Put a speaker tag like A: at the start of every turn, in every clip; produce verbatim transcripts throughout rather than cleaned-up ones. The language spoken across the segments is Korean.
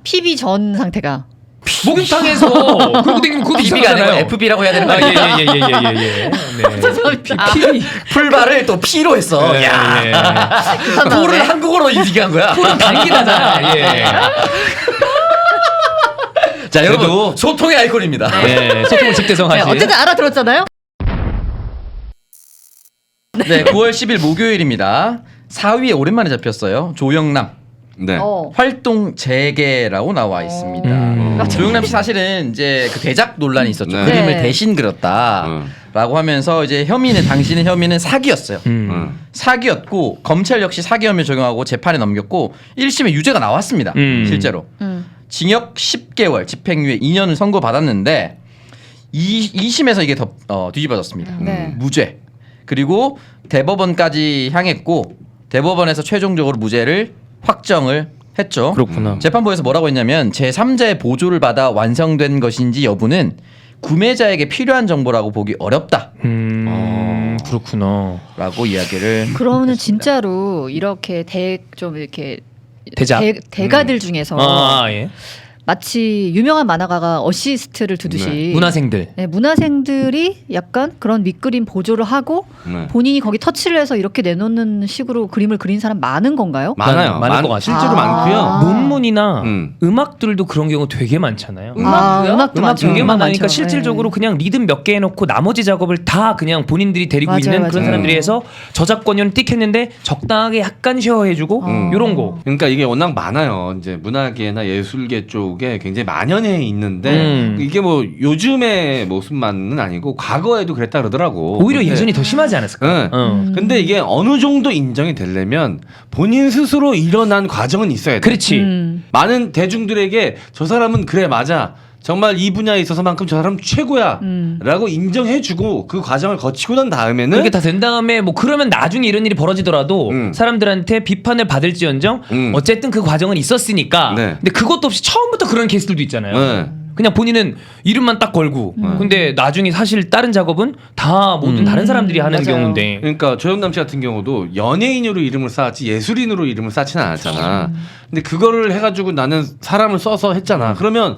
A: 피비 전 상태가.
B: 목욕탕에서 그러고 다니면 그것도
C: 피비가 아니고
B: 이상하잖아요.
C: 에프비라고 해야 되는 거 아니에요?
B: 예예예예예. 예, 예, 예. 네.
C: 풀발을 또 피로 했어.
B: 네,
C: 야,
B: 예.
C: 풀을 한국어로 얘기한 거야.
B: 풀은 단기다잖아. 예.
C: 자, 여러분
B: 그래도-
C: 소통의 아이콘입니다.
B: 예. 소통을
A: 네,
B: 직대성하지.
A: 어쨌든 알아들었잖아요.
C: 네, 구월 십일 목요일입니다. 사 위에 오랜만에 잡혔어요. 조영남.
D: 네.
A: 어.
C: 활동 재개라고 나와 있습니다.
B: 음.
C: 조영남 씨 사실은 이제 그 대작 논란이 있었죠.
D: 네.
C: 그림을
A: 네.
C: 대신 그렸다라고 하면서 이제 혐의는 당신의 혐의는 사기였어요.
B: 음.
D: 음.
C: 사기였고 검찰 역시 사기 혐의 적용하고 재판에 넘겼고 일 심에 유죄가 나왔습니다.
B: 음.
C: 실제로
A: 음.
C: 징역 십 개월, 집행유예 이 년을 선고받았는데 이, 이 심에서 이게 더 어, 뒤집어졌습니다.
A: 네.
C: 무죄. 그리고 대법원까지 향했고 대법원에서 최종적으로 무죄를 확정을 했죠.
B: 그렇구나.
C: 재판부에서 뭐라고 했냐면 제삼자의 보조를 받아 완성된 것인지 여부는 구매자에게 필요한 정보라고 보기 어렵다라고
B: 음. 그렇구나.
C: 이야기를
A: 그러면은 진짜로 이렇게 대 좀 이렇게
B: 대작?
A: 대, 대가들 중에서
B: 아, 예.
A: 마치 유명한 만화가가 어시스트를 두듯이
D: 네.
B: 문화생들.
A: 네, 문화생들이 약간 그런 밑그림 보조를 하고
D: 네.
A: 본인이 거기 터치를 해서 이렇게 내놓는 식으로 그림을 그린 사람 많은 건가요?
D: 많아요.
B: 많을
D: 많-
B: 것 같아요.
D: 실제로
A: 아.
D: 많고요.
B: 논문이나
D: 음.
B: 음악들도 그런 경우 되게 많잖아요.
A: 아, 음악도
B: 음악
A: 많죠.
B: 되게
A: 음악
B: 많으니까
A: 많죠.
B: 실질적으로
A: 네.
B: 그냥 리듬 몇 개 해놓고 나머지 작업을 다 그냥 본인들이 데리고
A: 맞아요,
B: 있는 그런
A: 맞아요.
B: 사람들이 해서 저작권료는 띡 했는데 적당하게 약간 쉐어해주고
A: 음.
B: 요런 거.
D: 그러니까 이게 워낙 많아요. 이제 문화계나 예술계 쪽에 굉장히 만연해 있는데
B: 음.
D: 이게 뭐 요즘의 모습만은 아니고 과거에도 그랬다 그러더라고.
B: 오히려
D: 근데-
B: 예전이 더 심하지 않았을까?
D: 네.
B: 어.
D: 근데 이게 어느 정도 인정이 되려면 본인 스스로 일어난 과정은 있어야 돼.
B: 그렇지.
A: 음.
D: 많은 대중들에게 저 사람은 그래 맞아. 정말 이 분야에 있어서만큼 저 사람 최고야
A: 음.
D: 라고 인정해주고 그 과정을 거치고 난 다음에는
B: 그렇게 다 된 다음에 뭐 그러면 나중에 이런 일이 벌어지더라도
D: 음.
B: 사람들한테 비판을 받을지언정
D: 음.
B: 어쨌든 그 과정은 있었으니까.
D: 네.
B: 근데 그것도 없이 처음부터 그런 케이스들도 있잖아요.
D: 네.
B: 그냥 본인은 이름만 딱 걸고
D: 음.
B: 근데 나중에 사실 다른 작업은 다 모든
D: 음.
B: 다른 사람들이 하는
A: 맞아요.
B: 경우인데.
D: 그러니까 조영남 씨 같은 경우도 연예인으로 이름을 쌓았지 예술인으로 이름을 쌓지는 않았잖아. 근데 그거를 해가지고 나는 사람을 써서 했잖아. 그러면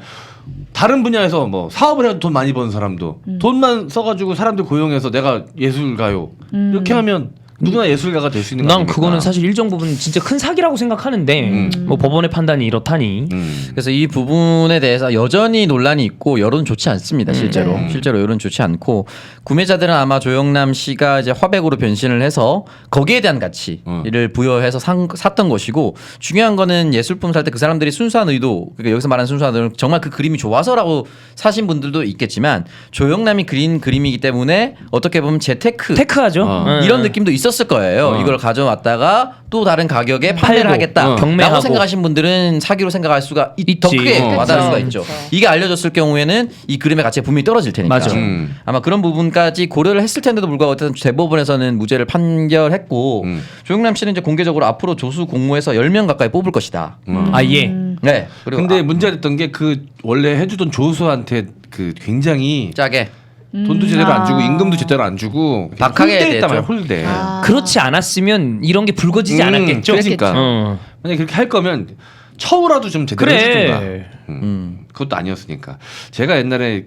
D: 다른 분야에서 뭐 사업을 해도 돈 많이 버는 사람도 돈만 써가지고 사람들 고용해서 내가 예술가요 이렇게 하면 누구나 예술가가 될 수 있는 거
B: 난
D: 아닙니까?
B: 그거는 사실 일정 부분 진짜 큰 사기라고 생각하는데
D: 음.
B: 뭐 법원의 판단이 이렇다니.
D: 음.
C: 그래서 이 부분에 대해서 여전히 논란이 있고 여론 좋지 않습니다. 실제로
D: 네.
C: 실제로 여론 좋지 않고 구매자들은 아마 조영남 씨가 이제 화백으로 변신을 해서 거기에 대한 가치를
D: 어.
C: 부여해서 산, 샀던 것이고 중요한 거는 예술품 살 때 그 사람들이 순수한 의도 그러니까 여기서 말하는 순수한 의도는 정말 그 그림이 좋아서라고 사신 분들도 있겠지만 조영남이 그린 그림이기 때문에 어떻게 보면 재테크
B: 테크하죠.
D: 어.
B: 응.
C: 이런 느낌도 있었을 거예요.
D: 어.
C: 이걸 가져왔다가 또 다른 가격에 판매를
B: 팔고,
C: 하겠다.
D: 어.
B: 경매하고.
C: 라고 생각하신 분들은 사기로 생각할 수가 있, 더
B: 있지.
C: 크게
D: 어.
C: 와닿을 수가
A: 그쵸.
C: 있죠.
A: 그쵸.
C: 이게 알려졌을 경우에는 이 그림의 가치가 분명히 떨어질 테니까.
B: 맞아.
D: 음.
C: 아마 그런 부분까지 고려를 했을 텐데도 불구하고 어쨌든 대법원에서는 무죄를 판결했고
D: 음.
C: 조영남 씨는 이제 공개적으로 앞으로 조수 공모해서 열 명 가까이 뽑을 것이다.
D: 음.
B: 아예.
C: 네. 그리고
D: 근데
C: 아,
D: 문제가 됐던 게 그 원래 해주던 조수한테 그 굉장히
C: 짜게
D: 돈도 제대로 안 주고
A: 아.
D: 임금도 제대로 안 주고
C: 박하게
D: 홀대했단 말이야
C: 됐죠.
D: 홀대.
A: 아.
B: 그렇지 않았으면 이런 게 불거지지
D: 음,
B: 않았겠죠.
D: 그러니까.
B: 어.
D: 만약 그렇게 할 거면 처우라도 좀 제대로 해주든가.
B: 그래.
D: 음.
C: 음.
D: 그것도 아니었으니까. 제가 옛날에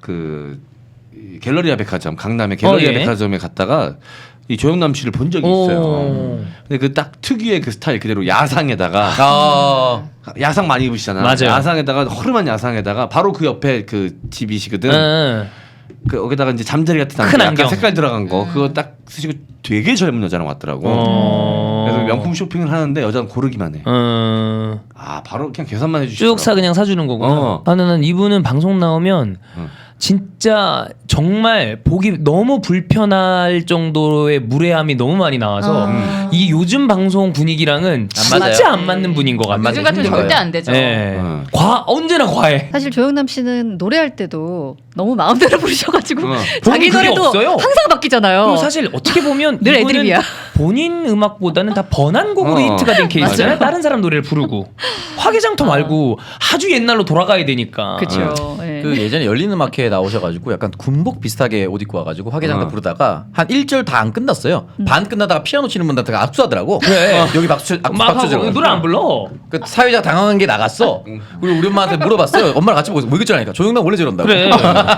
D: 그 이 갤러리아 백화점 강남의 갤러리아
B: 어, 예.
D: 백화점에 갔다가 이 조영남 씨를 본 적이
B: 오.
D: 있어요. 근데 그 딱 특유의 그 스타일 그대로 야상에다가
C: 아,
D: 야상 많이 입으시잖아.
B: 맞아요.
D: 야상에다가 허름한 야상에다가 바로 그 옆에 그 집이시거든.
B: 응.
D: 그 여기다가 이제 잠자리 같은
B: 큰
D: 안경, 약간
B: 안경.
D: 색깔 들어간 거 그거 딱 쓰시고 되게 젊은 여자랑 왔더라고.
B: 어.
D: 그래서 명품 쇼핑을 하는데 여자는 고르기만 해.
B: 어.
D: 아 바로 그냥 계산만 해주시더라고.
B: 쭉 사 그냥 사주는 거구나.
D: 어.
B: 나는 이분은 방송 나오면
D: 응.
B: 진짜 정말 보기 너무 불편할 정도의 무례함이 너무 많이 나와서
A: 아.
B: 이 요즘 방송 분위기랑은
C: 안 맞아요.
B: 진짜 안 맞는 분인 것
C: 안
B: 같아요.
C: 맞아요.
E: 요즘 같으면
C: 힘든
E: 절대
C: 거예요.
E: 안 되죠.
B: 예.
D: 어.
B: 과 언제나 과해.
A: 사실 조영남 씨는 노래할 때도 너무 마음대로 부르셔가지고
D: 어.
A: 자기
B: 본인 그게
A: 노래도
B: 없어요.
A: 항상 바뀌잖아요.
B: 그리고 사실 어떻게 보면
A: 늘
B: 이분은
A: 애드립이야.
B: 본인 음악보다는 다 번안곡으로
D: 어.
B: 히트가 된 케이스잖아요.
A: 맞아요.
B: 다른 사람 노래를 부르고 화개장터 말고 아주 옛날로 돌아가야 되니까.
A: 그렇죠. 예. 네.
C: 그 예전에 열린 음악회에 나오셔가지고 약간 군복 비슷하게 옷 입고 와가지고 화개장터
D: 어.
C: 부르다가 한 일 절 다 안 끝났어요.
A: 음.
C: 반 끝나다가 피아노 치는 분한테 압수하더라고.
B: 그래.
C: 여기 박수 치- 악수
B: 막
C: 박수
B: 하고
C: 들어.
B: 노래 안 불러.
C: 그 사회자 당황한 게 나갔어. 그리고 우리 엄마한테 물어봤어요. 엄마랑 같이 보고 뭐 이랬잖아니까. 조용남 원래 저런다고.
B: 그래.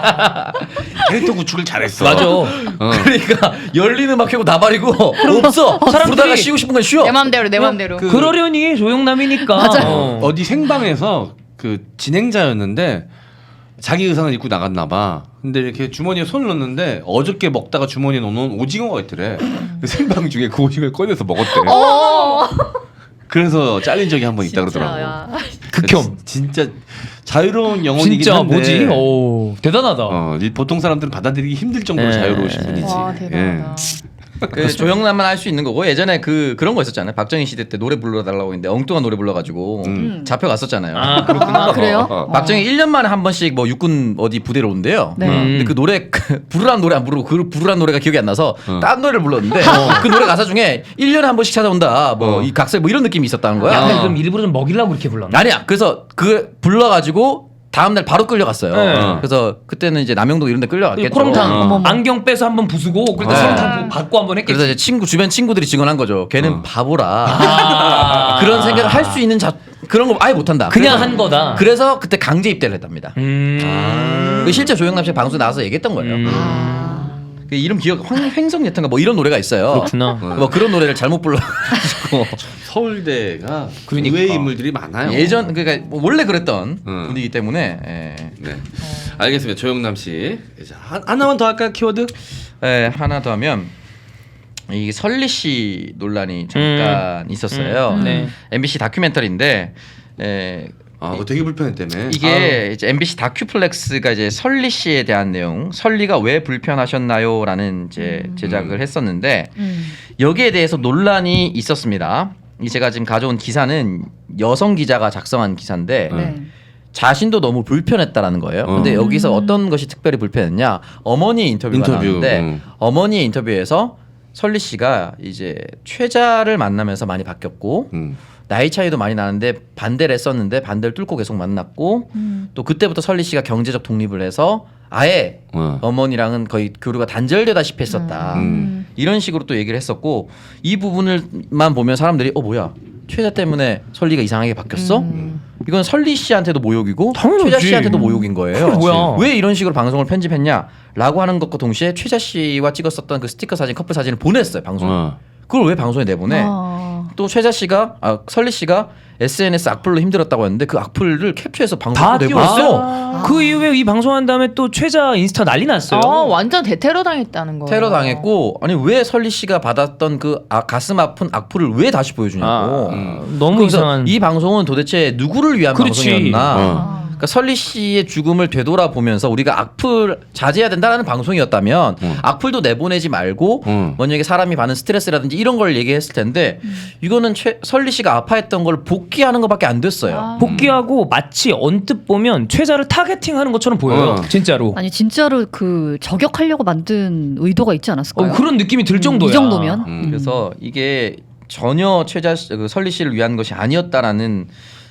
D: 캐릭터 구축을 잘했어.
B: 맞아.
D: 어.
C: 그러니까 열린 음악회고 나발이고 없어.
B: 사람들이
C: 부르다가 쉬고 싶은 건 쉬어.
E: 내 맘대로 내 맘대로.
D: 그-
B: 그러려니 조용남이니까.
A: 맞아.
B: 어.
D: 어디 생방에서 그 진행자였는데 자기 의상을 입고 나갔나 봐. 근데 이렇게 주머니에 손을 넣는데 어저께 먹다가 주머니에 넣어놓은 오징어가 있더래. 그 생방 중에 그 오징어를 꺼내서 먹었대.
E: 어.
D: 그래서 잘린 적이 한 번 있다
A: 진짜,
D: 그러더라고.
A: 야.
B: 극혐.
D: 진짜 자유로운 영혼이긴
B: 진짜
D: 한데.
B: 뭐지? 오 대단하다.
D: 어, 이 보통 사람들은 받아들이기 힘들 정도로
B: 예.
D: 자유로우신 분이지.
E: 와 대단하다.
C: 그 조영남만 할 수 있는 거고 예전에 그 그런 거 있었잖아요. 박정희 시대 때 노래 불러달라고 했는데 엉뚱한 노래 불러가지고
D: 음.
C: 잡혀갔었잖아요.
B: 아 그렇구나.
A: 아, 그래요?
C: 어, 박정희 일 년 만에 한 번씩 뭐 육군 어디 부대로 온대요.
A: 네.
C: 근데 그 노래 그 부르란 노래 안 부르고 그 부르란 노래가 기억이 안 나서
D: 어.
C: 딴 노래를 불렀는데 그 노래 가사 중에 일 년에 한 번씩 찾아온다. 뭐
D: 어.
C: 이 각설 뭐 이런 느낌이 있었다는 거야.
B: 약간
D: 어.
B: 좀 일부러 좀 먹이려고 그렇게 불렀나?
C: 아니야. 그래서 그 불러가지고 다음 날 바로 끌려갔어요.
B: 네.
C: 그래서 그때는 이제 남영동 이런 데 끌려갔겠죠.
B: 코롱탕
D: 어.
A: 어머머.
B: 안경 빼서 한번 부수고 그때
C: 네.
B: 소름탕 받고 한번 했겠지.
C: 그래서 이제 친구 주변 친구들이 증언한 거죠. 걔는
D: 어.
C: 바보라.
B: 아.
C: 그런 생각을 할 수 있는 자 그런 거 아예 못한다.
B: 그냥
C: 그래서-
B: 한 거다.
C: 그래서 그때 강제 입대를 했답니다.
B: 음.
C: 그 실제 조영남 씨 방송 에 나와서 얘기했던 거예요.
B: 음.
C: 그 이름 기억 황- 횡성예탄가 뭐 이런 노래가 있어요.
B: 그렇구나.
C: 뭐 그런 노래를 잘못 불러가지고
D: 서울대가
B: 그러니까.
D: 의외의 인물들이 많아요.
C: 예전 그러니까 뭐 원래 그랬던
D: 음.
C: 분이기 때문에 예.
D: 네. 알겠습니다. 조영남 씨. 이제 한- 하나만 더 할까요? 키워드?
C: 예, 하나 더 하면 이 설리 씨 논란이 잠깐 있었어요.
B: 음, 네.
C: 엠비씨 다큐멘터리인데 예,
D: 아, 그거 되게 불편했다며.
C: 이게 이제 엠비씨 다큐플렉스가 이제 설리 씨에 대한 내용, 설리가 왜 불편하셨나요라는 이제 제작을 했었는데
A: 음.
C: 여기에 대해서 논란이 있었습니다. 이 제가 지금 가져온 기사는 여성 기자가 작성한 기사인데
A: 네.
C: 자신도 너무 불편했다라는 거예요.
D: 어.
C: 근데 여기서
A: 음.
C: 어떤 것이 특별히 불편했냐? 어머니 인터뷰가
D: 인터뷰,
C: 나왔는데
D: 음.
C: 어머니의 인터뷰에서 설리 씨가 이제 최자를 만나면서 많이 바뀌었고
D: 음.
C: 나이 차이도 많이 나는데 반대를 했었는데 반대를 뚫고 계속 만났고
A: 음.
C: 또 그때부터 설리 씨가 경제적 독립을 해서 아예
D: 어.
C: 어머니랑은 거의 교류가 단절되다시피 했었다.
D: 음.
C: 이런 식으로 또 얘기를 했었고 이 부분을만 보면 사람들이 어 뭐야 최자 때문에 설리가 이상하게 바뀌었어?
A: 음.
C: 이건 설리 씨한테도 모욕이고
B: 당연하지.
C: 최자 씨한테도 모욕인 거예요.
B: 그게 뭐야.
C: 왜 이런 식으로 방송을 편집했냐라고 하는 것과 동시에 최자 씨와 찍었었던 그 스티커 사진, 커플 사진을 보냈어요 방송에.
D: 어.
C: 그걸 왜 방송에 내보내?
A: 아.
C: 또 최자 씨가 아 설리 씨가 에스엔에스 악플로 힘들었다고 했는데 그 악플을 캡처해서
B: 다
C: 방송에 내보냈어.
B: 띄웠어. 그 이후에 이 방송한 다음에 또 최자 인스타 난리 났어요.
E: 아 완전 대테러 당했다는 거.
C: 테러 당했고 아니 왜 설리 씨가 받았던 그 아, 가슴 아픈 악플을 왜 다시 보여주냐고.
B: 아,
D: 음.
B: 너무
C: 그래서
B: 이상한.
C: 이 방송은 도대체 누구를 위한
B: 그렇지.
C: 방송이었나?
D: 어.
C: 그러니까 설리 씨의 죽음을 되돌아보면서 우리가 악플 자제해야 된다는 방송이었다면
D: 음.
C: 악플도 내보내지 말고
D: 음.
C: 만약에 사람이 받는 스트레스라든지 이런 걸 얘기했을 텐데 이거는 최, 설리 씨가 아파했던 걸 복귀하는 것밖에 안 됐어요.
E: 아.
B: 복귀하고 마치 언뜻 보면 최자를 타겟팅하는 것처럼 보여요.
D: 어.
B: 진짜로.
A: 아니 진짜로 그 저격하려고 만든 의도가 있지 않았을까요?
B: 어, 그런 느낌이 들
A: 음,
B: 정도야.
A: 이 정도면.
D: 음.
C: 그래서 이게 전혀 최자 씨- 그 설리 씨를 위한 것이 아니었다라는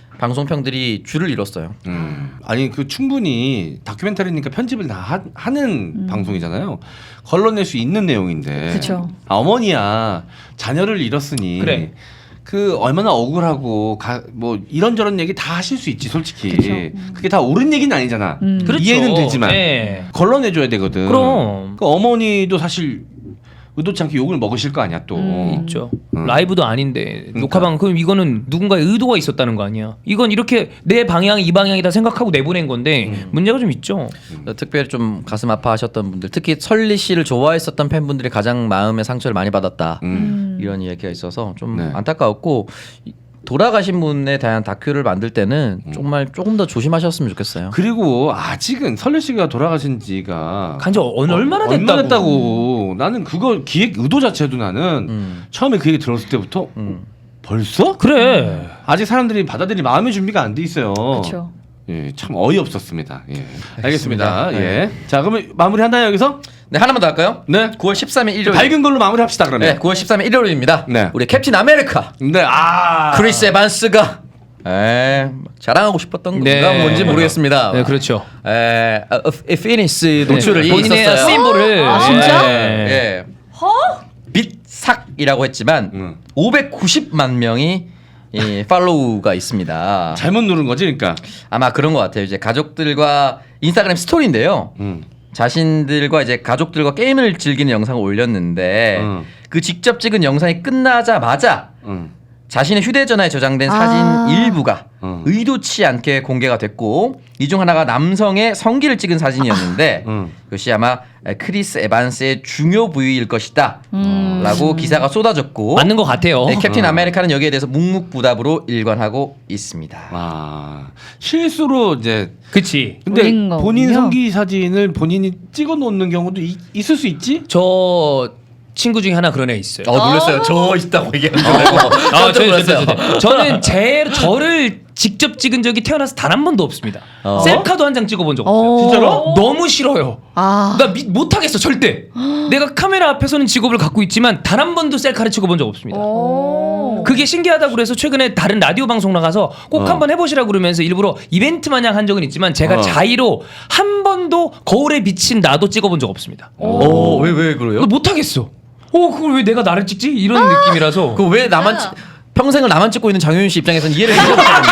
C: 방송평들이 줄을 잃었어요.
D: 음. 아니 그 충분히 다큐멘터리니까 편집을 다 하, 하는 방송이잖아요. 걸러낼 수 있는 내용인데.
A: 그쵸.
D: 아, 어머니야 자녀를 잃었으니.
B: 그래.
D: 그 얼마나 억울하고 가, 뭐 이런저런 얘기 다 하실 수 있지 솔직히.
A: 그쵸. 음.
D: 그게 다 옳은 얘기는 아니잖아.
A: 음.
B: 그렇죠.
D: 이해는 되지만
B: 네.
D: 걸러내줘야 되거든.
B: 그럼.
D: 그 어머니도 사실 의도치 않게 욕을 먹으실 거 아니야 또.
A: 음.
B: 있죠.
D: 음.
B: 라이브도 아닌데
D: 그러니까.
B: 녹화방 그럼 이거는 누군가의 의도가 있었다는 거 아니야. 이건 이렇게 내 방향 이 방향이다 생각하고 내보낸 건데
D: 음.
B: 문제가 좀 있죠.
C: 특별히 좀 가슴 아파하셨던 분들, 특히 설리 씨를 좋아했었던 팬분들이 가장 마음의 상처를 많이 받았다.
D: 음.
C: 이런 이야기가 있어서 좀
D: 네.
C: 안타까웠고 이- 돌아가신 분에 대한 다큐를 만들 때는
D: 음.
C: 정말 조금 더 조심하셨으면 좋겠어요.
D: 그리고 아직은 설리 씨가 돌아가신 지가
B: 간지 얼- 얼마나 됐다고.
D: 얼마나 됐다고. 나는 그거 기획 의도 자체도 나는
C: 음.
D: 처음에 그 얘기 들었을 때부터
C: 음.
D: 벌써?
B: 그래.
D: 아직 사람들이 받아들일 마음의 준비가 안 돼 있어요.
A: 그렇죠.
D: 예, 참 어이없었습니다. 예. 알겠습니다.
C: 알겠습니다.
D: 예. 자, 그러면 마무리 한다요 여기서?
C: 네, 하나만 더 할까요?
D: 네.
C: 구월 십삼일 일요일.
D: 밝은 걸로 마무리합시다
C: 네,
D: 그러면.
C: 구월 십삼일 일요일입니다.
D: 네.
C: 우리 캡틴 아메리카
D: 네. 아.
C: 크리스 에반스가 에 자랑하고 싶었던
B: 네.
C: 건가 뭔지 모르겠습니다.
B: 네, 그렇죠.
C: 에, 어, 어, 피니스 노출을
B: 네. 본인의
C: 있었어요.
B: 심볼을
A: 아, 진짜?
B: 예.
C: 예. 빛삭이라고 했지만
D: 음.
C: 오백구십만 명이 이 팔로우가 있습니다.
D: 잘못 누른 거지, 그러니까.
C: 아마 그런 것 같아요. 이제 가족들과 인스타그램 스토리인데요.
D: 음.
C: 자신들과 이제 가족들과 게임을 즐기는 영상을 올렸는데
D: 음.
C: 그 직접 찍은 영상이 끝나자마자
D: 음.
C: 자신의 휴대전화에 저장된
A: 아.
C: 사진 일부가
D: 음.
C: 의도치 않게 공개가 됐고 이 중 하나가 남성의 성기를 찍은 사진이었는데
D: 음.
C: 그것이 아마 크리스 에반스의 중요 부위일 것이다
A: 음.
C: 라고 기사가 쏟아졌고
B: 맞는 것 같아요.
C: 네, 캡틴
D: 음.
C: 아메리카는 여기에 대해서 묵묵부답으로 일관하고 있습니다.
D: 아, 실수로 이제
B: 그치.
D: 근데
A: 올린
D: 본인
A: 거군요.
D: 성기 사진을 본인이 찍어 놓는 경우도 이, 있을 수 있지?
B: 저 친구 중에 하나 그런 애 있어요.
C: 어 놀랐어요. 저 있다고 얘기하는 거.
B: 아,
C: 깜짝
B: 저, 저,
C: 놀랐어요.
B: 저, 저, 저. 저는 제 저를 직접 찍은 적이 태어나서 단 한 번도 없습니다.
C: 어?
B: 셀카도 한 장 찍어본 적 없어요.
A: 어.
B: 진짜로? 너무 싫어요.
A: 아.
B: 나 미, 못하겠어 절대. 내가 카메라 앞에서는 직업을 갖고 있지만 단 한 번도 셀카를 찍어본 적 없습니다.
E: 오.
B: 그게 신기하다고 그래서 최근에 다른 라디오 방송 나가서 꼭
D: 어.
B: 한번 해보시라고 그러면서 일부러 이벤트 마냥 한 적은 있지만 제가
D: 어.
B: 자의로 한 번도 거울에 비친 나도 찍어본 적 없습니다.
C: 어, 왜, 왜 그래요?
B: 나 못하겠어. 어 그걸 왜 내가 나를 찍지? 이런 느낌이라서.
C: 그 왜 나만 찍, 평생을 나만 찍고 있는 장효윤 씨 입장에서는 이해를 못하겠네.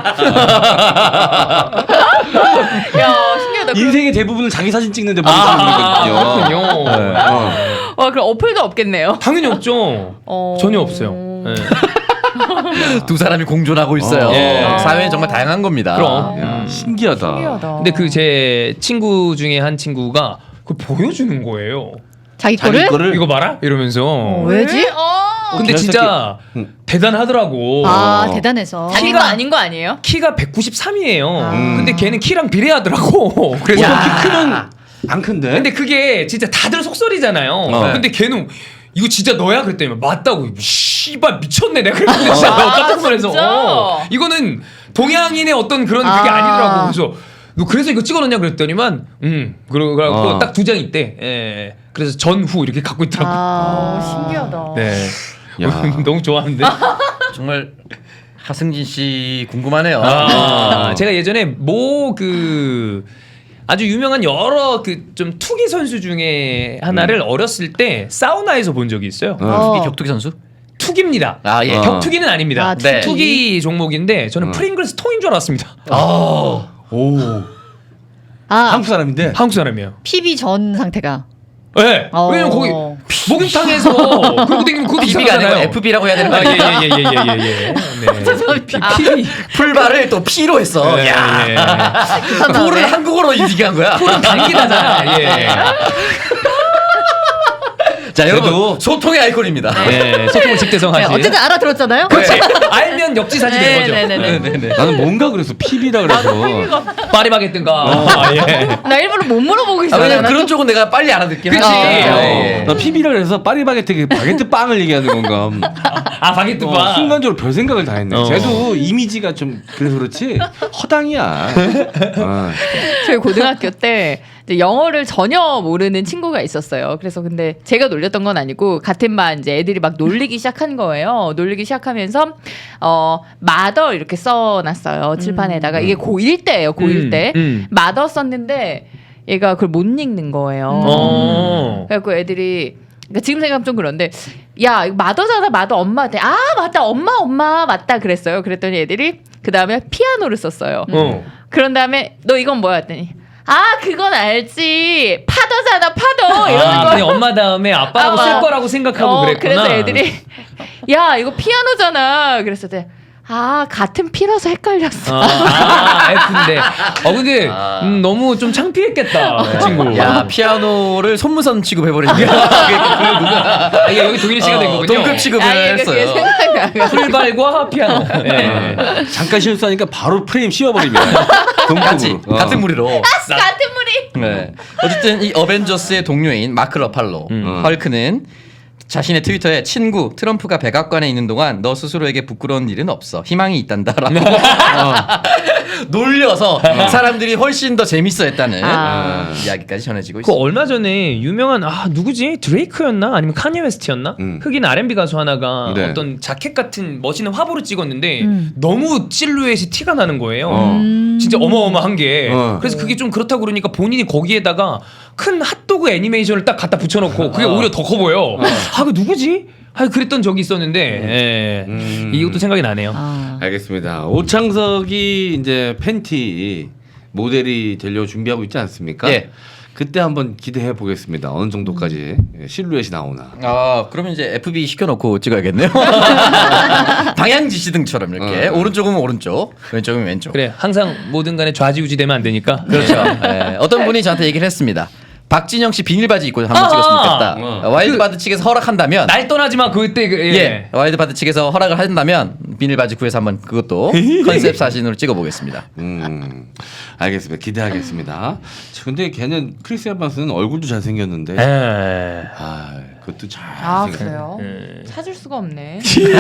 E: 야 신기하다. 그럼,
D: 인생의 대부분을 자기 사진 찍는데 보는
B: 아,
D: 사람이거든요.
B: 그렇군요.
C: 네.
D: 어.
E: 와 그럼 어플도 없겠네요.
B: 당연히 없죠.
E: 어.
B: 전혀 없어요. 네.
C: 두 사람이 공존하고 있어요.
D: 어.
B: 예.
C: 사회는 정말 다양한 겁니다.
B: 그럼.
C: 예.
D: 야, 신기하다.
E: 신기하다.
B: 근데 그 제 친구 중에 한 친구가 그 보여주는 거예요.
A: 자기
D: 자기
A: 거를?
D: 거를
B: 이거 봐라 이러면서.
A: 어, 왜지?
E: 어.
B: 근데
D: 개새끼.
B: 진짜
D: 응.
B: 대단하더라고.
A: 아
D: 어.
A: 대단해서.
E: 자기 거 아닌 거 아니에요?
B: 키가 백구십삼이에요.
A: 음.
B: 근데 걔는 키랑 비례하더라고. 그래서
D: 보통 키 크면 안 큰데.
B: 근데 그게 진짜 다들 속설이잖아요.
D: 어.
B: 근데 걔는 이거 진짜 너야 그랬더니 맞다고. 씨발 미쳤네 내가 그랬는데 진짜
E: 아,
B: 깜짝 놀라서.
E: 진짜?
B: 어. 이거는 동양인의 어떤 그런 그게
A: 아.
B: 아니더라고. 그래서 너 그래서 이거 찍어놓냐 그랬더니만 음 그러고
D: 어.
B: 딱 두 장 있대. 예. 그래서 전후 이렇게 갖고 있더라고.
A: 아.
E: 어, 신기하다.
B: 네.
D: 야.
B: 너무 좋아하는데.
C: 정말 하승진 씨 궁금하네요.
B: 아, 제가 예전에 모 그 아주 유명한 여러 그 좀 투기 선수 중에 하나를 어렸을 때 사우나에서 본 적이 있어요.
D: 어.
C: 투기 격투기 선수?
B: 투기입니다.
C: 아 예.
D: 어.
B: 격투기는 아닙니다.
A: 아,
C: 네.
B: 투기 종목인데 저는
D: 어.
B: 프링글스 통인 줄 알았습니다.
C: 아.
D: 오.
A: 아
D: 한국 사람인데.
B: 한국 사람이에요.
A: 피비 전 상태가.
B: 네.
A: 어.
B: 왜냐면 거기 목욕탕에서 그러고 다니면 그것도
C: 비비가
B: 이상하잖아요.
C: 아니고 에프비라고 해야 되는 거 아니에요?
B: 아예예예예예. 예, 예, 예. 네. 피, 피,
C: 풀발을 또 P로 했어.
B: 예,
C: 야.
B: 예.
C: 풀을 한국어로 인식한 거야.
B: 당기다잖아. 예.
C: 자, 여러분
D: 그래도-
C: 소통의 아이콘입니다.
B: 예. 소통을
A: 네,
B: 직대성하지.
A: 어쨌든 알아들었잖아요.
B: 그렇지. 알면 역지사지 된 거죠.
E: 네네네.
D: 나는 뭔가 그래서 피비라 그래서.
B: 파리바게뜨인가. 아, 예.
E: 나 일부러 못 물어보고
C: 아,
E: 있어요.
C: 왜냐면 그런 쪽은 내가 빨리 알아듣긴
B: 그치.
C: 하니까.
B: 어.
C: 예.
D: 나 피비라 그래서 파리바게트 그 바게트 빵을 얘기하는 건가.
B: 아 바게트
D: 어,
B: 바.
D: 순간적으로 별 생각을 다 했네.
B: 어.
D: 쟤도 이미지가 좀 그래서 그렇지 허당이야. 어.
E: 저희 고등학교 때 이제 영어를 전혀 모르는 친구가 있었어요. 그래서 근데 제가 놀렸던 건 아니고 같은 반 이제 애들이 막 놀리기 시작한 거예요. 놀리기 시작하면서 어 마더 이렇게 써놨어요 칠판에다가. 이게 고일 때예요. 고일
B: 음,
E: 때
B: 음.
E: 마더 썼는데 얘가 그걸 못 읽는 거예요.
B: 어.
E: 그래갖고 애들이 그러니까 지금 생각하면 좀 그런데 야 이거 마더잖아 마더 엄마한테 아 맞다 엄마 엄마 맞다 그랬어요. 그랬더니 애들이 그 다음에 피아노를 썼어요.
B: 어.
E: 그런 다음에 너 이건 뭐야 했더니 아 그건 알지 파더잖아 파더 이러는
B: 아,
E: 거야.
B: 그냥 엄마 다음에 아빠라고
E: 아,
B: 쓸
E: 아.
B: 거라고 생각하고
E: 어,
B: 그랬구나.
E: 그래서 애들이 야 이거 피아노잖아 그랬을 때 아 같은 피라서 헷갈렸어.
B: 아, 아 F인데. 어 근데
C: 아.
B: 음, 너무 좀 창피했겠다 그 친구.
C: 야, 피아노를 손무선 취급해버리니까.
B: 아, 이게 여기 동일 씨가 된
C: 어,
B: 거군요.
C: 동급 취급을
E: 아, 이게 그게
C: 했어요.
E: 생각나가.
B: 풀발과 피아노. 예.
D: 잠깐 실수하니까 바로 프레임 씌워버립니다.
C: 같이
D: 동급으로. 어.
C: 같은 무리로.
E: 같은 무리.
C: 네. 어쨌든 이 어벤져스의 동료인 마크 러팔로
D: 음.
C: 헐크는 자신의 트위터에 친구 트럼프가 백악관에 있는 동안 너 스스로에게 부끄러운 일은 없어. 희망이 있단다라고 놀려서 사람들이 훨씬 더 재밌어했다는
E: 아.
C: 이야기까지 전해지고
B: 그
C: 있습니다.
B: 얼마 전에 유명한 아 누구지 드레이크였나 아니면 카니에 웨스트였나
D: 음.
B: 흑인 알앤비 가수 하나가
D: 네.
B: 어떤 자켓 같은 멋있는 화보를 찍었는데
A: 음.
B: 너무 실루엣이 티가 나는 거예요.
D: 어.
A: 음.
B: 진짜 어마어마한 게
D: 어.
B: 그래서 그게 좀 그렇다고 그러니까 본인이 거기에다가 큰 핫도그 애니메이션을 딱 갖다 붙여놓고 그게
D: 어.
B: 오히려 더 커 보여. 아 그 누구지? 아 그랬던 적이 있었는데 예.
D: 음.
B: 이것도 생각이 나네요.
A: 아.
D: 알겠습니다. 오창석이 이제 팬티 모델이 되려고 준비하고 있지 않습니까?
C: 예.
D: 그때 한번 기대해 보겠습니다. 어느 정도까지 실루엣이 나오나.
C: 아 그러면 이제 에프비 시켜놓고 찍어야겠네요. 방향 지시등처럼 이렇게
D: 어.
C: 오른쪽은 오른쪽, 왼쪽은 왼쪽.
B: 그래 항상 뭐든 간에 좌지우지 되면 안 되니까.
C: 그렇죠. 예. 어떤 분이 저한테 얘기를 했습니다. 박진영 씨 비닐바지 입고 한번
B: 아하!
C: 찍었으면 좋겠다.
D: 어.
C: 와일드바드 측에서 허락한다면
B: 날 떠나지 마 그때 그, 예.
C: 예. 와일드바드 측에서 허락을 한다면 비닐바지 구해서 한번 그것도 컨셉 사진으로 찍어보겠습니다.
D: 음, 알겠습니다. 기대하겠습니다. 근데 걔는 크리스 에반스는 얼굴도 잘생겼는데,
B: 에.
D: 아, 그것도 잘.
E: 아
D: 생겼-
E: 그래요?
B: 예.
E: 찾을 수가 없네.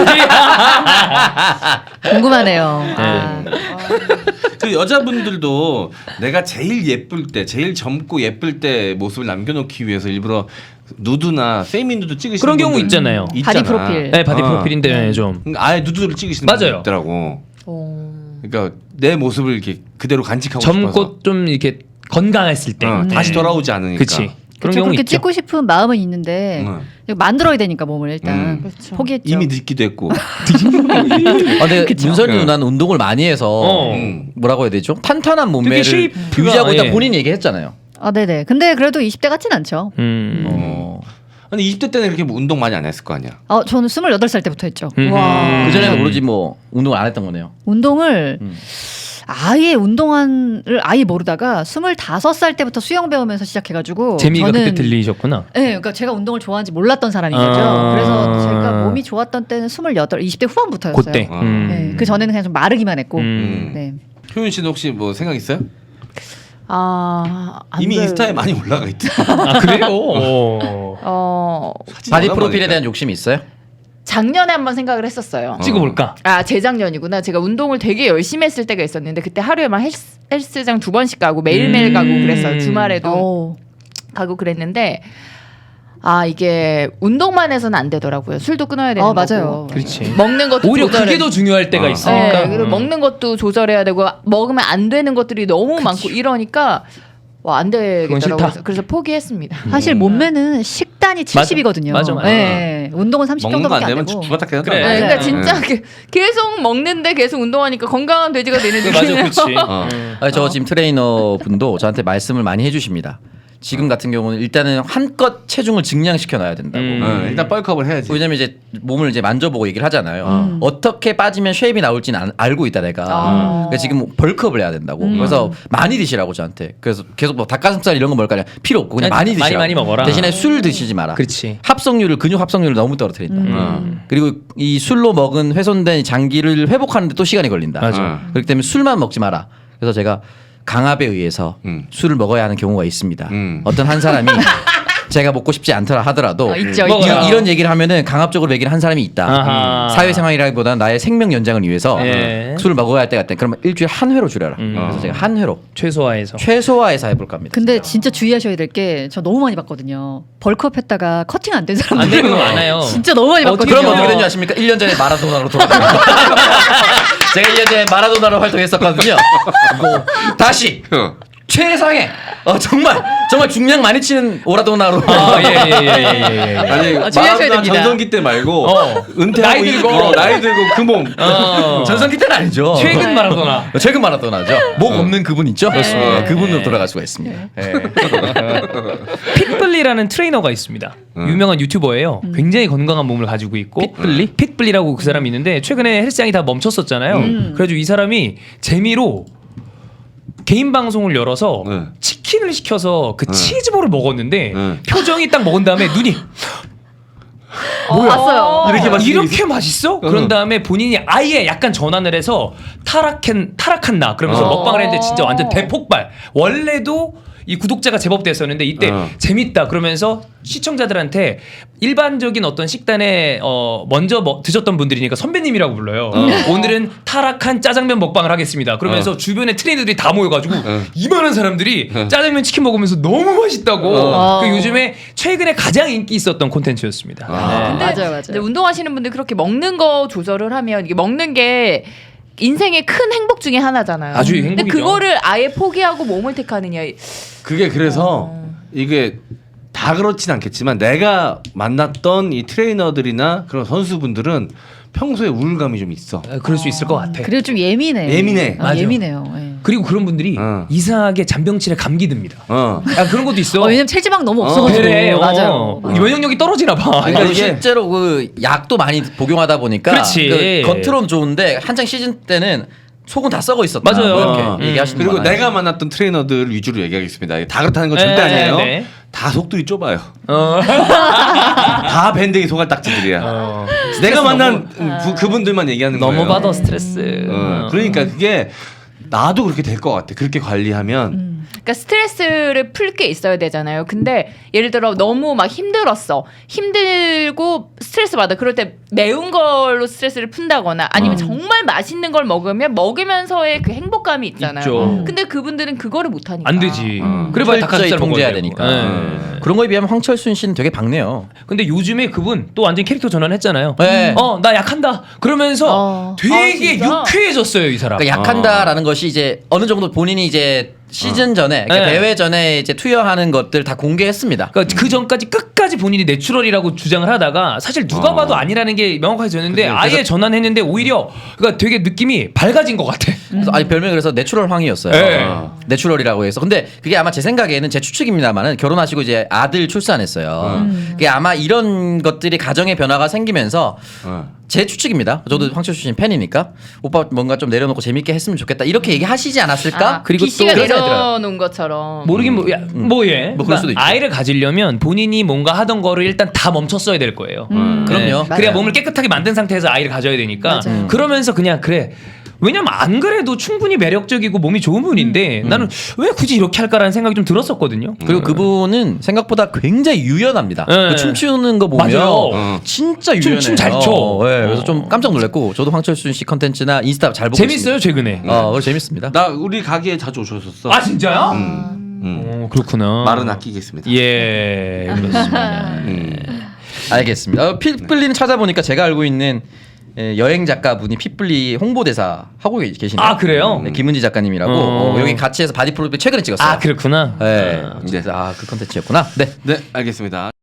A: 궁금하네요.
E: 아,
D: 그 여자분들도 내가 제일 예쁠 때, 제일 젊고 예쁠 때 모습을 남겨놓기 위해서 일부러 누드나 세미 누드 찍으시는
B: 그런 경우
D: 분들
B: 있잖아요.
A: 바디 프로필.
B: 네 바디
D: 어.
B: 프로필인데 좀
D: 아예 누드를 찍으시는
B: 맞아요.
D: 분들 있더라고.
E: 어.
D: 그러니까 내 모습을 이렇게 그대로 간직하고 싶어서.
B: 젊고 좀 이렇게 건강했을 때
D: 어, 다시
B: 네.
D: 돌아오지 않으니까.
B: 그치 그런
A: 그쵸,
B: 경우
A: 그렇게
B: 있죠.
A: 찍고 싶은 마음은 있는데
D: 응.
A: 이거 만들어야 되니까 몸을 일단
D: 음.
E: 그렇죠.
A: 포기했죠.
D: 이미 늦기도 했고.
C: 아, 근데 문선이
D: 네.
C: 누나는 운동을 많이 해서
B: 어.
D: 음.
C: 뭐라고 해야 되죠? 탄탄한 몸매를
B: 쉐이프가,
C: 유지하고 있다
B: 예.
C: 본인이 얘기했잖아요.
A: 아 네네. 근데 그래도 이십 대 같진 않죠.
B: 음.
C: 어.
D: 근데 이십 대 때는 그렇게 뭐 운동 많이 안 했을 거 아니야.
A: 어 저는 스물여덟 살 때부터 했죠.
B: 음.
E: 와.
C: 그 전에는 모르지 뭐 운동을 안 했던 거네요.
A: 운동을
C: 음.
A: 아예 운동을 아예 모르다가 스물다섯 살 때부터 수영 배우면서 시작해가지고
B: 재미가
A: 저는
B: 그때 들리셨구나.
A: 네, 그러니까 제가 운동을 좋아하는지 몰랐던 사람인 거죠.
B: 아.
A: 그래서 제가 몸이 좋았던 때는 스물여덟, 이십 대 후반부터였어요.
B: 그때.
D: 어.
B: 음.
A: 네, 그 전에는 그냥 좀 마르기만 했고.
B: 음.
A: 네.
D: 효윤 씨는 혹시 뭐 생각 있어요?
E: 아, 안
D: 이미
E: 돼.
D: 인스타에 많이 올라가 있대.
B: 아 그래요? 어.
E: 어,
C: 바디 프로필에 대한 욕심이 있어요?
E: 작년에 한번 생각을 했었어요.
D: 어.
B: 찍어볼까?
E: 아 재작년이구나. 제가 운동을 되게 열심히 했을 때가 있었는데 그때 하루에 막 헬스, 헬스장 두 번씩 가고 매일매일
B: 음.
E: 가고 그랬어요. 주말에도
A: 오.
E: 가고 그랬는데 아 이게 운동만 해서는 안 되더라고요. 술도 끊어야 되는
A: 어,
E: 거고.
A: 맞아요.
B: 그렇지.
E: 먹는 것도
B: 오히려
E: 조절해.
B: 그게 더 중요할 때가
D: 어.
B: 있으니까.
E: 네, 그리고
B: 음.
E: 먹는 것도 조절해야 되고 먹으면 안 되는 것들이 너무 많고 이러니까 와 안
B: 그건
E: 되겠더라고요.
B: 싫다.
E: 그래서, 그래서 포기했습니다.
A: 사실 몸매는 식단이 칠십이거든요.
B: 맞아, 맞아.
A: 네. 운동은 삼십
D: 먹는 거 안
A: 정도밖에 안
D: 되면
A: 되고.
D: 주바닥 계단
B: 그래.
E: 네,
B: 맞아요.
E: 그러니까 진짜 그- 계속 먹는데 계속 운동하니까 건강한 돼지가 되는
B: 맞아,
E: 느낌이에요.
B: 그렇지.
D: 어.
B: 음.
C: 아니, 저 지금 트레이너 분도 저한테 말씀을 많이 해주십니다. 지금 같은 경우는 일단은 한껏 체중을 증량시켜 놔야 된다고.
B: 음.
D: 어, 일단 뻘컵을 해야지.
C: 왜냐면 이제 몸을 이제 만져보고 얘기를 하잖아요.
A: 음.
C: 어떻게 빠지면 쉐입이 나올지는 안- 알고 있다 내가.
E: 아.
C: 그러니까 지금 벌크업을 해야 된다고.
A: 음.
C: 그래서 많이 드시라고 저한테. 그래서 계속 뭐 닭가슴살 이런 거 먹을 거 아니야. 필요 없고 그냥
B: 그냥
C: 많이
B: 많이
C: 드시라고.
B: 많이 먹어라.
C: 대신에 술 드시지 마라.
B: 그렇지.
C: 합성률을 근육 합성률을 너무 떨어뜨린다.
A: 음.
D: 어.
C: 그리고 이 술로 먹은 훼손된 장기를 회복하는데 또 시간이 걸린다.
B: 맞아.
D: 어.
C: 그렇기 때문에 술만 먹지 마라. 그래서 제가 강압에 의해서
D: 음.
C: 술을 먹어야 하는 경우가 있습니다.
D: 음.
C: 어떤 한 사람이 제가 먹고 싶지 않더라 하더라도
A: 어, 있죠,
B: 먹어요.
A: 있죠.
C: 이, 이런 얘기를 하면은 강압적으로 얘기를 한 사람이 있다.
B: 아하.
C: 사회생활이라기보다는 나의 생명 연장을 위해서
B: 예.
C: 술을 먹어야 할 때가 있다. 그러면 일주일에 한 회로 줄여라.
B: 음.
C: 그래서 제가 한 회로
B: 최소화해서.
C: 최소화해서 해볼까 합니다.
A: 근데 진짜 주의하셔야 될 게 저 너무 많이 봤거든요. 벌크업 했다가 커팅 안 된
B: 안
A: 사람들.
B: 되는 거 많아요.
A: 진짜 너무 많이
B: 어떻게
A: 봤거든요.
C: 그럼
B: 그래요?
C: 어떻게 된지 아십니까? 일 년 전에 마라도나로 돌아다녔어요. 제가 일 년 전에 마라도나로 활동했었거든요. 뭐 다시
D: 어.
C: 최상의 어, 정말 정말 중량 많이 치는 오라도나로
B: 아, 예, 예, 예, 예, 예, 예.
D: 아니
A: 아, 주의하셔야
D: 마라도나
A: 됩니다.
D: 전성기 때 말고
B: 어.
D: 은퇴하고
B: 나이 들고.
D: 이- 어, 나이 들고 그 몸.
B: 어.
C: 전성기 때는 아니죠.
B: 최근 마라도나.
C: 최근 마라도나죠. 목 없는 그분 있죠?
B: 그렇습니다.
C: 어, 그분으로 돌아갈 수가 있습니다. 예.
B: 핏블리라는 트레이너가 있습니다. 유명한 유튜버예요. 굉장히 건강한 몸을 가지고 있고 핏블리? 핏블리라고 그 사람이 있는데 최근에 헬스장이 다 멈췄었잖아요.
A: 음.
B: 그래가지고 이 사람이 재미로 개인 방송을 열어서
D: 네.
B: 치킨을 시켜서 그
D: 네.
B: 치즈볼을 먹었는데
D: 네.
B: 표정이 딱 먹은 다음에 눈이
A: 어, 봤어요.
D: 이렇게 맛있게
B: 이렇게 맛있어? 그런 다음에 본인이 아예 약간 전환을 해서 타락한 타락한 나 그러면서
D: 어.
B: 먹방을 했는데 진짜 완전 대폭발. 원래도 이 구독자가 제법 됐었는데 이때
D: 어.
B: 재밌다 그러면서 시청자들한테 일반적인 어떤 식단에 어 먼저 뭐 드셨던 분들이니까 선배님이라고 불러요.
D: 어.
B: 오늘은 타락한 짜장면 먹방을 하겠습니다. 그러면서
D: 어.
B: 주변에 트레이너들이 다 모여가지고
D: 어.
B: 이만한 사람들이
D: 어.
B: 짜장면 치킨 먹으면서 너무 맛있다고.
A: 어.
B: 그 요즘에 최근에 가장 인기 있었던 콘텐츠였습니다.
D: 아.
B: 네.
E: 근데
A: 맞아요, 맞아요.
E: 근데 운동하시는 분들 그렇게 먹는 거 조절을 하면 이게 먹는 게 인생의 큰 행복 중에 하나잖아요.
B: 아주
E: 근데
B: 행복이죠.
E: 그거를 아예 포기하고 몸을 택하느냐.
D: 그게 그래서 이게 다 그렇진 않겠지만 내가 만났던 이 트레이너들이나 그런 선수분들은 평소에 우울감이 좀 있어.
B: 아, 그럴 수 있을 것 같아.
A: 그리고 좀 예민해.
D: 예민해.
A: 아,
B: 맞아.
A: 예민해요. 예.
B: 그리고 그런 분들이
D: 어.
B: 이상하게 잔병치레 감기 듭니다.
D: 어.
B: 아 그런 것도 있어.
A: 어, 왜냐면 체지방 너무 없어가지고.
B: 그래, 어.
A: 맞아요.
B: 면역력이 떨어지나 봐.
C: 아니, 그러니까
D: 이게-
C: 실제로 그 약도 많이 복용하다 보니까
B: 그렇지.
C: 그 겉으로는 좋은데 한창 시즌 때는 속은 다 썩어 있었다.
B: 맞아요.
C: 뭐 이렇게
D: 어.
C: 얘기하시는
D: 그리고
C: 분 많아요.
D: 내가 만났던 트레이너들 위주로 얘기하겠습니다. 다 그렇다는 건 절대
B: 네,
D: 아니에요.
B: 네.
D: 다 속들이 좁아요.
B: 어.
D: 다 밴댕이 소갈딱지들이야.
B: 어.
D: 내가 만난 부- 그분들만 얘기하는 거예요.
B: 너무 받아 스트레스.
D: 어, 그러니까 그게 나도 그렇게 될 것 같아. 그렇게 관리하면
E: 그러니까 스트레스를 풀 게 있어야 되잖아요. 근데 예를 들어 너무 막 힘들었어. 힘들고 스트레스 받아. 그럴 때 매운 걸로 스트레스를 푼다거나 아니면
D: 어.
E: 정말 맛있는 걸 먹으면 먹으면서의 그 행복감이 있잖아요.
B: 있죠.
E: 근데 그분들은 그거를 못 하니까.
B: 안 되지.
D: 어.
B: 그래봐야
C: 철저히
B: 닭가슴살
C: 통제해야
B: 먹어야
C: 되니까.
B: 되고.
D: 음.
B: 네.
C: 그런 거에 비하면 황철순 씨는 되게 밝네요.
B: 근데 요즘에 그분 또 완전 캐릭터 전환했잖아요.
C: 네.
B: 어, 나 약한다. 그러면서
E: 어.
B: 되게
E: 아, 진짜?
B: 유쾌해졌어요, 이 사람.
C: 그러니까 약한다라는 것이 이제 어느 정도 본인이 이제 시즌 전에 그러니까
B: 네.
C: 대회 전에 이제 투여하는 것들 다 공개했습니다.
B: 그러니까 그 전까지 끝까지 본인이 내추럴이라고 주장을 하다가 사실 누가
D: 어.
B: 봐도 아니라는 게 명확해졌는데
D: 그래서-
B: 아예 전환했는데 오히려 그러니까 되게 느낌이 밝아진 것 같아.
C: 그래서 아니 별명이 그래서 내추럴 황이었어요.
B: 네.
C: 어. 내추럴이라고 해서. 근데 그게 아마 제 생각에는 제 추측입니다만은 결혼하시고 이제 아들 출산했어요. 그게 아마 이런 것들이 가정의 변화가 생기면서
D: 어.
C: 제 추측입니다. 저도 황철수 씨 팬이니까 오빠 뭔가 좀 내려놓고 재밌게 했으면 좋겠다 이렇게 얘기하시지 않았을까?
E: 아,
B: 그리고
E: B 씨가
B: 또 그런
E: 내려놓은 것처럼.
B: 모르긴 뭐, 야, 뭐 예.
C: 뭐 그럴 수도 있죠.
B: 아이를 가지려면 본인이 뭔가 하던 거를 일단 다 멈췄어야 될 거예요.
A: 음.
C: 그럼요.
B: 그래야
A: 맞아요.
B: 몸을 깨끗하게 만든 상태에서 아이를 가져야 되니까
A: 맞아요.
B: 그러면서 그냥 그래. 왜냐면 안 그래도 충분히 매력적이고 몸이 좋은 분인데 나는 왜 굳이 이렇게 할까라는 생각이 좀 들었었거든요.
C: 그리고 그분은 생각보다 굉장히 유연합니다.
B: 네.
C: 그 춤추는 거 보면
B: 맞아요.
D: 어.
C: 진짜
B: 춤-
C: 유연해요.
B: 춤잘 춰.
C: 네, 그래서 좀 깜짝 놀랐고 저도 황철순 씨 컨텐츠나 인스타 잘 보고
B: 재밌어요 최근에.
C: 있습니다. 어, 그거 재밌습니다.
D: 나 우리 가게에 자주 오셨었어.
B: 아 진짜요?
D: 음.
B: 어, 그렇구나.
D: 말은 아끼겠습니다.
B: 예 그렇습니다.
D: 음.
C: 알겠습니다. 어, 핏불리는 찾아보니까 제가 알고 있는 예, 여행 작가분이 핏불리 홍보대사 하고 계- 계시네요.
B: 아, 그래요?
C: 네, 김은지 작가님이라고
B: 어.
C: 어, 여기 같이 해서 바디 프로필 최근에 찍었어요.
B: 아 그렇구나.
C: 네,
B: 아.
C: 아, 그 컨텐츠였구나. 네.
D: 네, 알겠습니다.